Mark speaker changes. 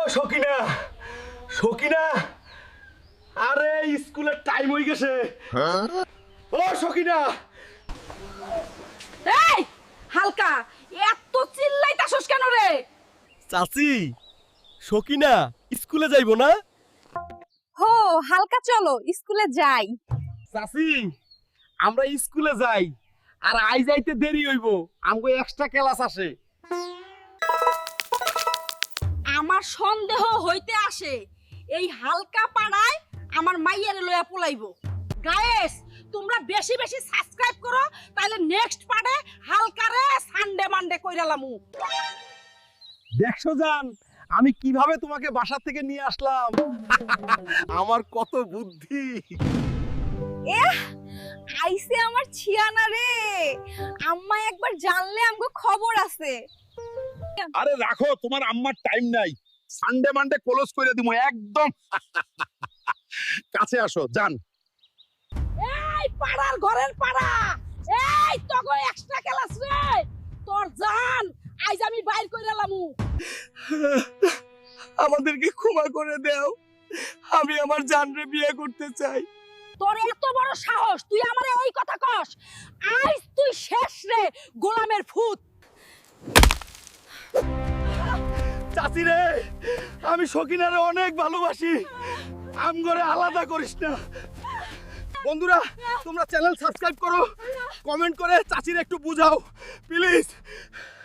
Speaker 1: সকিনা সকিনা আরে স্কুলের টাইম হয়ে গেছে। ও সকিনা,
Speaker 2: এই হালকা এত চিল্লাইতাছস কেন রে?
Speaker 1: চাচি সকিনা স্কুলে যাইবো না?
Speaker 2: হো হালকা চলো স্কুলে যাই।
Speaker 1: চাচি আমরা স্কুলে যাই, আর আই যাইতে দেরি হইব, আমগো এক্সট্রা ক্লাস আসে।
Speaker 2: আমার সন্দেহ হইতে আসে এই হালকা পাড়ায় আমার মাইয়ারে লইয়া পলাইবো। গায়েস তোমরা বেশি বেশি সাবস্ক্রাইব করো, তাহলে নেক্সট পার্টে হালকারে সানডে মানডে কইরালামু।
Speaker 1: দেখছো জান আমি কিভাবে তোমাকে বাসা থেকে নিয়ে আসলাম। আমার কত বুদ্ধি।
Speaker 2: এহ আইসে আমার ছিয়ানা রে, আম্মা একবার জানলে আমগো খবর আছে।
Speaker 1: আরে রাখো, তোমার আম্মার টাইম নাই, সানডে মানডে ক্লোজ করে দিমু একদম। কাছে আসো জান।
Speaker 2: এই পাড়ার ঘরের পাড়া, এই তোগো এক্সট্রা ক্লাস রে, তোর জান আইজ আমি বাইর কইরালামু।
Speaker 1: আমাদেরকে ক্ষমা করে দাও, আমি আমার জানরে বিয়ে করতে চাই।
Speaker 2: তোর এত বড় সাহস, তুই আমারে ওই কথা কস? আইজ তুই শেষ রে গোলামের ফুত।
Speaker 1: চাচি রে, আমি সকিনারে অনেক ভালোবাসি, আমগরে আলাদা করিস না। বন্ধুরা তোমরা চ্যানেল সাবস্ক্রাইব করো, কমেন্ট করে চাচির একটু বুঝাও প্লিজ।